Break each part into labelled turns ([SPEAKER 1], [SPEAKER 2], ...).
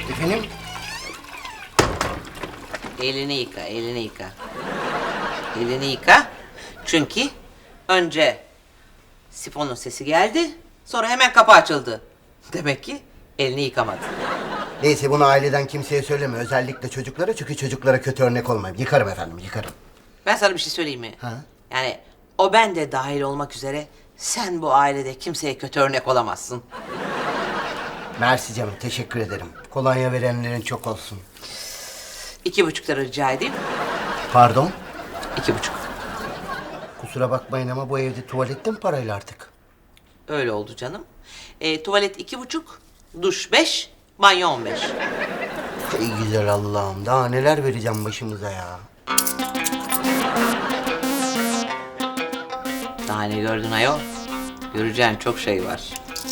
[SPEAKER 1] Efendim?
[SPEAKER 2] Elini yıka, elini yıka. Elini yıka. Çünkü önce sifonun sesi geldi, sonra hemen kapı açıldı. Demek ki elini yıkamadı.
[SPEAKER 1] Neyse bunu aileden kimseye söyleme. Özellikle çocuklara, çünkü çocuklara kötü örnek olmayayım. Yıkarım efendim, yıkarım.
[SPEAKER 2] Ben sana bir şey söyleyeyim mi?
[SPEAKER 1] Ha?
[SPEAKER 2] Yani o ben de dahil olmak üzere sen bu ailede kimseye kötü örnek olamazsın.
[SPEAKER 1] Mersi canım, teşekkür ederim. Kolonya verenlerin çok olsun.
[SPEAKER 2] 2,5 lira rica edeyim.
[SPEAKER 1] Pardon?
[SPEAKER 2] 2,5.
[SPEAKER 1] Kusura bakmayın ama bu evde tuvalette mi parayla artık?
[SPEAKER 2] Öyle oldu canım. Tuvalet 2,5, duş 5, banyo 15.
[SPEAKER 1] Ey güzel Allah'ım, daha neler vereceğim başımıza ya.
[SPEAKER 2] Daha ne gördün ayol? Göreceğin çok şey var.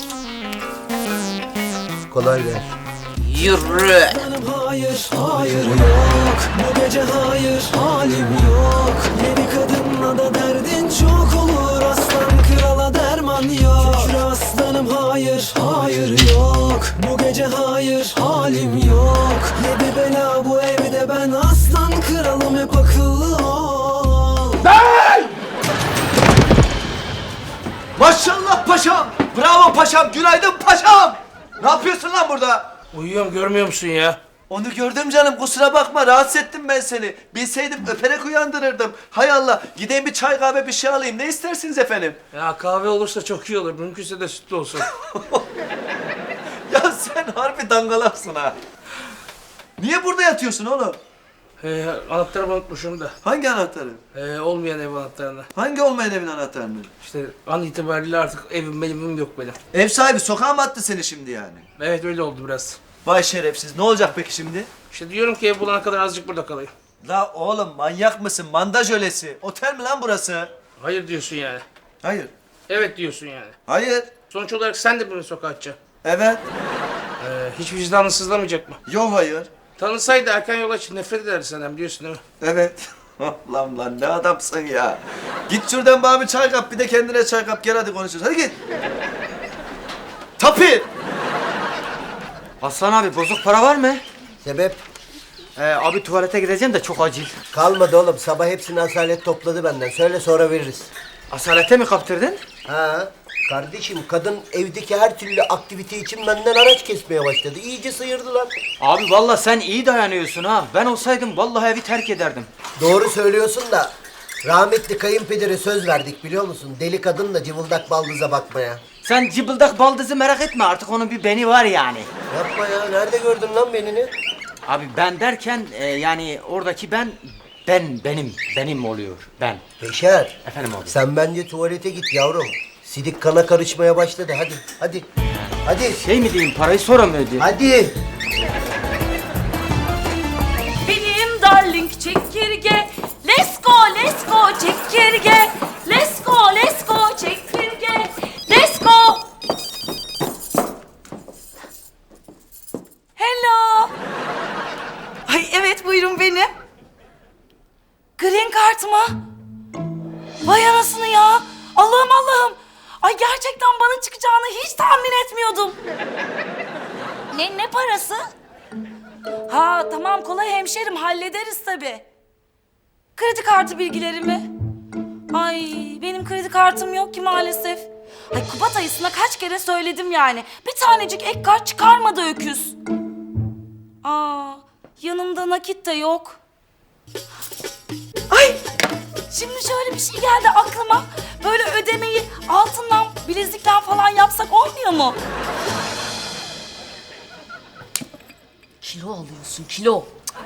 [SPEAKER 1] Kolay gelsin.
[SPEAKER 2] Yürü!
[SPEAKER 3] Hayır, hayır yok. Bu gece hayır, halim yok. Yeni kadınla da derdin çok olur. Aslan krala derman yok. Şükür aslanım hayır, hayır yok. Bu gece hayır, halim yok. Yedi bela bu evde, ben aslan kralım, hep akıllı ol.
[SPEAKER 4] Maşallah paşam! Bravo paşam! Günaydın paşam! Ne yapıyorsun lan burada?
[SPEAKER 5] Uyuyorum, görmüyor musun ya?
[SPEAKER 4] Onu gördüm canım, kusura bakma, rahatsız ettim ben seni. Bilseydim öperek uyandırırdım. Hay Allah, gideyim bir çay kahve bir şey alayım. Ne istersiniz efendim?
[SPEAKER 5] Ya kahve olursa çok iyi olur. Mümkünse de sütlü olsun.
[SPEAKER 4] Ya sen harbi dangalapsın ha. Niye burada yatıyorsun oğlum?
[SPEAKER 5] Anahtarımı unutmuşum da.
[SPEAKER 4] Hangi anahtarı?
[SPEAKER 5] Olmayan ev anahtarını.
[SPEAKER 4] Hangi olmayan evin anahtarını?
[SPEAKER 5] İşte an itibariyle artık evim benim yok benim.
[SPEAKER 4] Ev sahibi sokağa mı attı seni şimdi yani?
[SPEAKER 5] Evet öyle oldu biraz.
[SPEAKER 4] Vay şerefsiz, ne olacak peki şimdi?
[SPEAKER 5] İşte diyorum ki ev bulana kadar azıcık burada kalayım.
[SPEAKER 4] La oğlum manyak mısın? Mandaj ölesi. Otel mi lan burası?
[SPEAKER 5] Hayır diyorsun yani.
[SPEAKER 4] Hayır.
[SPEAKER 5] Evet diyorsun yani.
[SPEAKER 4] Hayır.
[SPEAKER 5] Sonuç olarak sen de bunu sokağa atacaksın.
[SPEAKER 4] Evet.
[SPEAKER 5] Hiç vicdanın sızlamayacak mı?
[SPEAKER 4] Yok hayır.
[SPEAKER 5] Tanısaydı erken yola çık, nefret ederdi senden biliyorsun değil mi?
[SPEAKER 4] Evet. Lan ne adamsın ya. Git şuradan bana bir çay kap, bir de kendine çay kap, gel hadi konuşuruz. Hadi git. Tapir.
[SPEAKER 6] Aslan abi bozuk para var mı?
[SPEAKER 1] Sebep?
[SPEAKER 6] Abi tuvalete gideceğim de çok acil.
[SPEAKER 1] Kalmadı oğlum, sabah hepsini Asalet topladı benden. Söyle sonra veririz.
[SPEAKER 6] Asalete mi kaptırdın?
[SPEAKER 1] Ha? Kardeşim, kadın evdeki her türlü aktivite için benden araç kesmeye başladı. İyice sıyırdı lan.
[SPEAKER 6] Abi vallahi sen iyi dayanıyorsun ha. Ben olsaydım vallahi evi terk ederdim.
[SPEAKER 1] Doğru söylüyorsun da rahmetli kayınpedere söz verdik biliyor musun? Deli kadınla cıvıldak baldıza bakmaya.
[SPEAKER 6] Sen cıbıldak baldızı merak etme, artık onun bir beni var yani.
[SPEAKER 1] Yapma ya, nerede gördün lan benini?
[SPEAKER 6] Abi ben derken yani oradaki benim oluyor. Ben.
[SPEAKER 1] Beşer.
[SPEAKER 6] Efendim abi.
[SPEAKER 1] Sen bence tuvalete git yavrum. Sidik kana karışmaya başladı, hadi hadi. Hadi.
[SPEAKER 6] Şey mi diyeyim, parayı sonra mı ödeyeyim?
[SPEAKER 1] Hadi.
[SPEAKER 7] Benim darling çekirge. Let's go çekirge. Let's go çekirge. Let's go. Hello. Ay evet buyurun benim. Green card mı? Vay anasını ya. Allah'ım. Ay gerçekten bana çıkacağını hiç tahmin etmiyordum. Ne parası? Ha tamam kolay hemşerim hallederiz tabii. Kredi kartı bilgilerimi. Ay benim kredi kartım yok ki maalesef. Ay Kubat ayısına kaç kere söyledim yani. Bir tanecik ek kart çıkarmadı öküz. Aa yanımda nakit de yok. Ay şimdi şöyle bir şey geldi aklıma. Böyle ödemeyi altından, bilezikten falan yapsak olmuyor mu?
[SPEAKER 8] Kilo alıyorsun, kilo.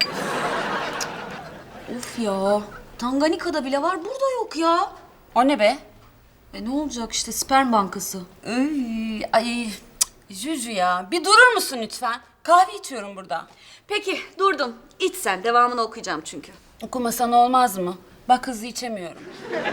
[SPEAKER 8] Of ya, Tanganyika'da bile var, burada yok ya.
[SPEAKER 7] O ne be?
[SPEAKER 8] Ne olacak işte, sperm bankası.
[SPEAKER 7] Ay Juju ya bir durur musun lütfen? Kahve içiyorum burada.
[SPEAKER 8] Peki, durdum. İç sen, devamını okuyacağım çünkü.
[SPEAKER 7] Okumasan olmaz mı? Bak hızlı içemiyorum.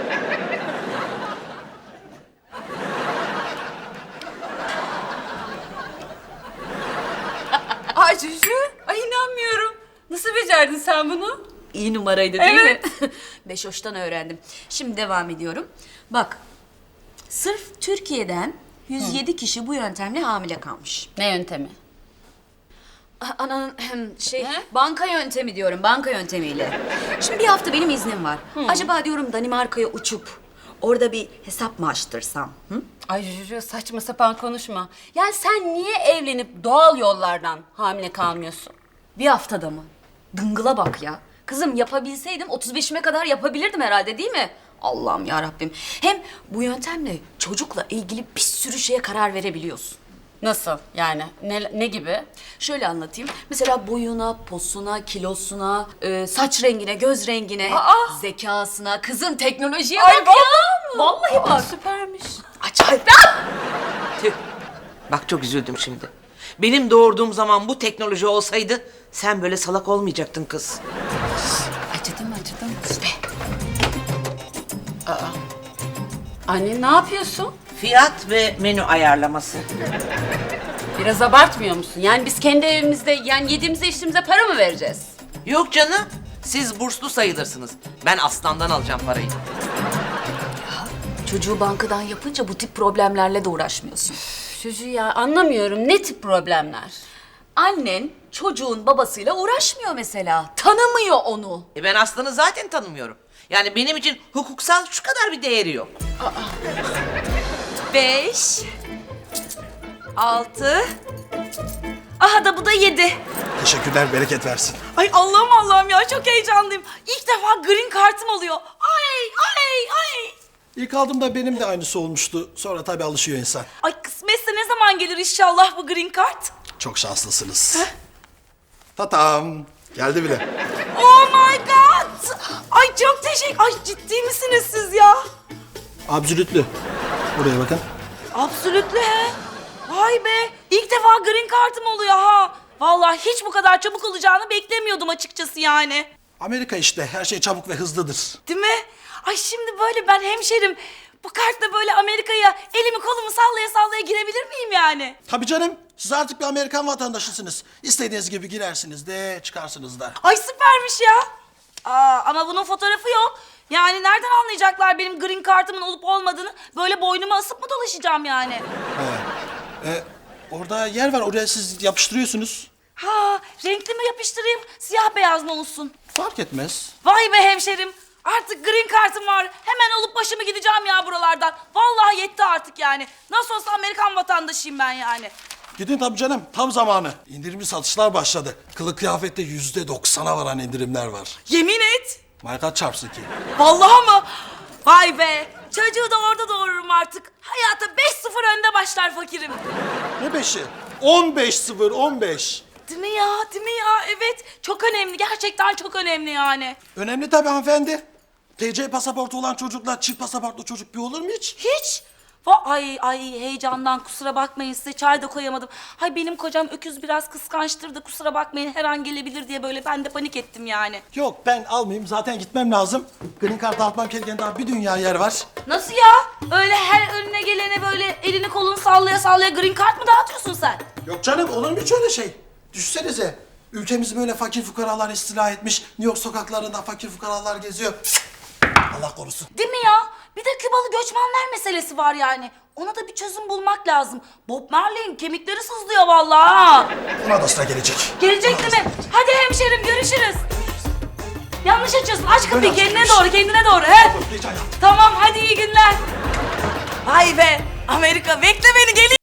[SPEAKER 7] Ay Juju, ay inanmıyorum. Nasıl becerdin sen bunu?
[SPEAKER 8] İyi numaraydı değil
[SPEAKER 7] Evet.
[SPEAKER 8] mi? Beşoş'tan öğrendim. Şimdi devam ediyorum. Bak, sırf Türkiye'den 107 kişi bu yöntemle hamile kalmış.
[SPEAKER 7] Ne yöntemi?
[SPEAKER 8] Ananın banka yöntemi diyorum, banka yöntemiyle. Şimdi bir hafta benim iznim var. Acaba diyorum Danimarka'ya uçup orada bir hesap mı açtırsam? Hı?
[SPEAKER 9] Ay Juju saçma sapan konuşma. Yani sen niye evlenip doğal yollardan hamile kalmıyorsun?
[SPEAKER 8] Bir haftada mı? Dıngıla bak ya. Kızım yapabilseydim 35'ime kadar yapabilirdim herhalde değil mi? Allah'ım ya Rabbim. Hem bu yöntemle çocukla ilgili bir sürü şeye karar verebiliyorsun.
[SPEAKER 9] Nasıl yani? Ne gibi?
[SPEAKER 8] Şöyle anlatayım. Mesela boyuna, posuna, kilosuna, saç rengine, göz rengine, zekasına, kızım teknolojiye bak ya. Vallahi bak.
[SPEAKER 9] Süpermiş.
[SPEAKER 8] Acayip.
[SPEAKER 2] Tüh. Bak çok üzüldüm şimdi. Benim doğurduğum zaman bu teknoloji olsaydı sen böyle salak olmayacaktın kız.
[SPEAKER 8] Acıdı mı acıdı mı?
[SPEAKER 9] Anne ne yapıyorsun?
[SPEAKER 2] Fiyat ve menü ayarlaması.
[SPEAKER 9] Biraz abartmıyor musun? Yani biz kendi evimizde yani yediğimize içtiğimize para mı vereceğiz?
[SPEAKER 2] Yok canım. Siz burslu sayılırsınız. Ben aslandan alacağım parayı.
[SPEAKER 8] Çocuğu bankadan yapınca bu tip problemlerle de uğraşmıyorsun.
[SPEAKER 9] Juju ya anlamıyorum. Ne tip problemler?
[SPEAKER 8] Annen çocuğun babasıyla uğraşmıyor mesela. Tanımıyor onu.
[SPEAKER 2] Ben aslanı zaten tanımıyorum. Yani benim için hukuksal şu kadar bir değeri yok.
[SPEAKER 7] 5, 6, aha da bu da 7.
[SPEAKER 10] Teşekkürler, bereket versin.
[SPEAKER 7] Ay Allah'ım Allah'ım ya çok heyecanlıyım. İlk defa green kartım oluyor. Ay.
[SPEAKER 10] İlk aldığımda benim de aynısı olmuştu. Sonra tabii alışıyor insan.
[SPEAKER 7] Ay kısmetse ne zaman gelir inşallah bu green kart?
[SPEAKER 10] Çok şanslısınız. Tatam. Geldi bile.
[SPEAKER 7] Oh my god. Ay çok teşekkür. Ay ciddi misiniz siz ya?
[SPEAKER 10] Absolütlü. Buraya bakın.
[SPEAKER 7] Absolütle he. Vay be. İlk defa green kartım oluyor ha. Vallahi hiç bu kadar çabuk olacağını beklemiyordum açıkçası yani.
[SPEAKER 10] Amerika işte. Her şey çabuk ve hızlıdır.
[SPEAKER 7] Değil mi? Ay şimdi böyle ben hemşerim. Bu kartla böyle Amerika'ya elimi kolumu sallaya sallaya girebilir miyim yani?
[SPEAKER 10] Tabii canım. Siz artık bir Amerikan vatandaşısınız. İstediğiniz gibi girersiniz de çıkarsınız da.
[SPEAKER 7] Ay süpermiş ya. Ama bunun fotoğrafı yok. Yani nereden anlayacaklar benim green kartımın olup olmadığını? Böyle boynuma asıp mı dolaşacağım yani?
[SPEAKER 10] Orada yer var. Oraya siz yapıştırıyorsunuz.
[SPEAKER 7] Ha, renkli mi yapıştırayım, siyah beyaz mı olsun?
[SPEAKER 10] Fark etmez.
[SPEAKER 7] Vay be hemşerim. Artık green kartım var. Hemen olup başımı gideceğim ya buralardan. Vallahi yetti artık yani. Nasıl olsa Amerikan vatandaşıyım ben yani.
[SPEAKER 10] Gidin tabii canım. Tam zamanı. İndirimli satışlar başladı. Kılık kıyafette %90'a varan indirimler var.
[SPEAKER 7] Yemin et.
[SPEAKER 10] Marka çarpsın ki.
[SPEAKER 7] Vallahi mı? Vay be. Çocuğu da orada doğururum artık. Hayata 5-0 önde başlar fakirim.
[SPEAKER 10] Ne 5'i? 15-0, 15.
[SPEAKER 7] Değil mi ya? Değil mi ya? Evet. Çok önemli. Gerçekten çok önemli yani.
[SPEAKER 10] Önemli tabii hanımefendi. TC pasaportu olan çocukla çift pasaportlu çocuk bir olur mu hiç?
[SPEAKER 7] Hiç. Ay heyecandan kusura bakmayın size çay da koyamadım. Hay benim kocam öküz biraz kıskançtır da kusura bakmayın her an gelebilir diye böyle ben de panik ettim yani.
[SPEAKER 10] Yok ben almayayım zaten gitmem lazım. Green Card dağıtmam gereken daha bir dünya yer var.
[SPEAKER 7] Nasıl ya? Öyle her önüne gelene böyle elini kolunu sallaya sallaya green card mı dağıtıyorsun sen?
[SPEAKER 10] Yok canım olur mu hiç öyle şey? Düşünsenize ülkemizi böyle fakir fukaralar istila etmiş. New York sokaklarında fakir fukaralar geziyor. Allah korusun.
[SPEAKER 7] Değil mi ya? Bir de Kübalı göçmenler meselesi var yani. Ona da bir çözüm bulmak lazım. Bob Marley'in kemikleri sızlıyor vallahi.
[SPEAKER 10] Buna da sıra gelecek.
[SPEAKER 7] Gelecek değil mi? Hadi hemşerim görüşürüz. Yanlış açıyorsun. Aç kapıyı
[SPEAKER 10] Böyle
[SPEAKER 7] kendine
[SPEAKER 10] açmış.
[SPEAKER 7] doğru kendine doğru. He?
[SPEAKER 10] Geç hayatım.
[SPEAKER 7] Tamam hadi iyi günler. Vay be Amerika bekle beni geliyorum.